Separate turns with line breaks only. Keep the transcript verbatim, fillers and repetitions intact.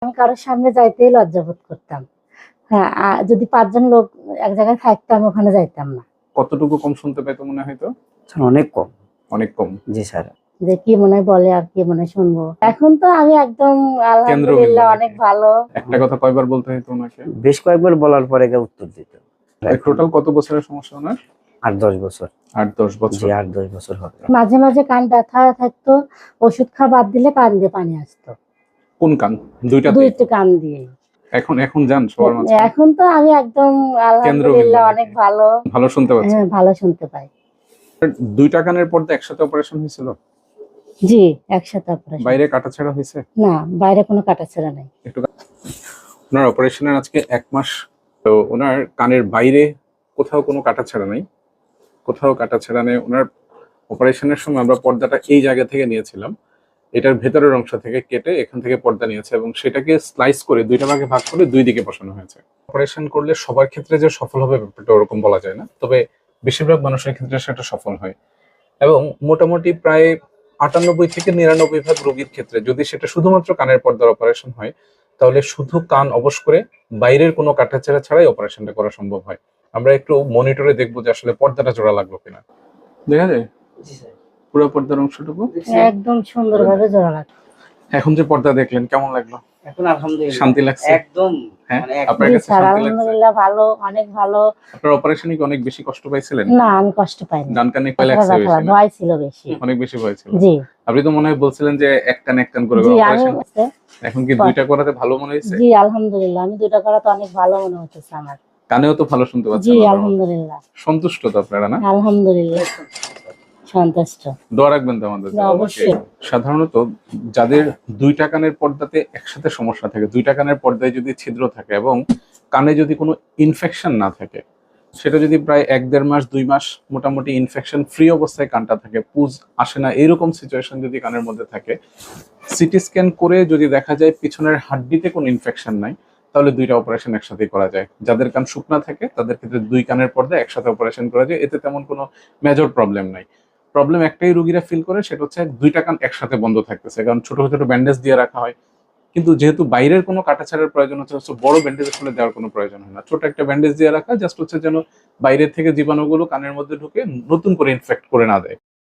আমি কারোর সামনে যাইতেই লজ্জা বোধ করতাম। হ্যাঁ, আ যদি পাঁচজন লোক এক জায়গায় থাকতাম ওখানে যাইতাম না।
কতটুকু কম শুনতে পেতো মনে হয়তো?
স্যার অনেক কম।
অনেক কম।
জি স্যার।
যে কি মনে হয় বলে আর কি মনে হয় শুনবো। এখন তো আমি একদম আলহামদুলিল্লাহ অনেক ভালো।
একটা কথা কয়বার বলতে হতো ওনাকে?
বেশ কয়েকবার বলার পরে কেউ উত্তর দিত।
টোটাল কত বছরের সমস্যা ওনার?
আট দশ বছর।
আট দশ বছর।
জি আট দশ বছর হবে।
মাঝে মাঝে কান ব্যথা থাকতো, ওষুধ খাওয়া বাদ দিলে কান দিয়ে পানি আসতো।
কোন কান? দুইটাতেই?
দুইটা কান দিয়ে।
এখন এখন যান সবার মাঝে?
এখন তো আমি একদম আলহামদুলিল্লাহ অনেক ভালো।
ভালো শুনতে পাচ্ছেন?
হ্যাঁ, ভালো শুনতে পাই।
দুইটা কানের পর্দা একসাথে অপারেশন হয়েছিল?
জি, একসাথে অপারেশন।
বাইরে কাটাছেঁড়া হয়েছে?
না, বাইরে কোনো কাটাছেঁড়া নাই।
একটু ওনার অপারেশনের আজকে এক মাস। তো ওনার কানের বাইরে কোথাও কোনো কাটাছেঁড়া নাই, কোথাও কাটাছেঁড়া নেই। ওনার অপারেশনের সময় আমরা পর্দাটা এই জায়গা থেকে নিয়েছিলাম, এটার ভেতরের অংশ থেকে কেটে এখান থেকে পর্দা নিয়েছে এবং সেটাকে স্লাইস করে দুইটা ভাগে ভাগ করে দুই দিকে বসানো হয়েছে। অপারেশন করলে সবার ক্ষেত্রে যে সফল হবে ব্যাপারটা ওরকম বলা যায় না, তবে বেশিরভাগ মানুষের ক্ষেত্রে সেটা সফল হয় এবং মোটামুটি প্রায় আটানব্বই থেকে নিরানব্বই ভাগ রোগীর ক্ষেত্রে যদি সেটা শুধুমাত্র কানের পর্দার অপারেশন হয় তাহলে শুধু কান অবশ করে বাইরের কোনো কাটাছেঁড়া ছাড়াই অপারেশনটা করা সম্ভব হয়। আমরা একটু মনিটরে দেখবো যে আসলে পর্দাটা জোড়া লাগলো কিনা। দেখা যায় পুরো পর্দার অংশটুকু
একদম সুন্দরভাবে জোড়া লাগলো।
এখন যে পর্দা দেখলেন কেমন লাগলো?
এখন আলহামদুলিল্লাহ
শান্তি লাগছে?
একদম।
হ্যাঁ,
মানে
আপনার কাছে শান্তি লাগছে?
আলহামদুলিল্লাহ ভালো, অনেক ভালো।
আপনার অপারেশনে কি অনেক বেশি কষ্ট পাইছিলেন?
না, আমি কষ্ট পাইনি।
ডান কানে ভয় লাগছে বেশি না?
ভয় ছিল বেশি।
অনেক বেশি ভয় ছিল।
জি।
আপনি তো মনে হয় বলছিলেন যে এক টান এক টান করে অপারেশন। এখন কি দুইটা করাতে ভালো মনে হয়েছে?
জি আলহামদুলিল্লাহ, আমি দুইটা করাতে অনেক ভালো মনে হচ্ছে আমার।
কানেও তো ভালো শুনতে পাচ্ছেন?
জি আলহামদুলিল্লাহ।
সন্তুষ্ট তো আপনারা? না,
আলহামদুলিল্লাহ সন্তুষ্ট।
দোয়া রাখবেন তো আমাদের?
অবশ্যই।
সাধারণত যাদের দুইটা কানের পর্দাতে একসাথে সমস্যা থাকে, দুইটা কানের পর্দায় যদি ছিদ্র থাকে এবং কানে যদি কোনো ইনফেকশন না থাকে, সেটা যদি প্রায় এক দেড় মাস দুই মাস মোটামুটি ইনফেকশন ফ্রি অবস্থায় কানটা থাকে, পুজ আসে না, এরকম সিচুয়েশন যদি কানের মধ্যে থাকে, সিটি স্ক্যান করে যদি দেখা যায় পিছনের হাড্ডিতে কোনো ইনফেকশন নাই, তাহলে দুইটা অপারেশন একসাথে করা যায়। যাদের কান শুকনা থাকে তাদের ক্ষেত্রে দুই কানের পর্দা একসাথে অপারেশন করা যায়, এতে তেমন কোনো মেজর প্রবলেম নাই। প্রবলেম একটাই রোগীরা ফিল করে, সেটা হচ্ছে দুইটা কান একসাথে বন্ধ থাকতেছে, কারণ ছোট ছোট ব্যান্ডেজ দিয়ে রাখা হয়। কিন্তু যেহেতু বাইরের কোনো কাটাছাড়ার প্রয়োজন হচ্ছে, বড় ব্যান্ডেজ আসলে দেওয়ার কোনো প্রয়োজন হয় না। ছোট একটা ব্যান্ডেজ দিয়ে রাখা জাস্ট হচ্ছে যেন বাইরের থেকে জীবাণুগুলো কানের মধ্যে ঢুকে নতুন করে ইনফেক্ট করে না দেয়।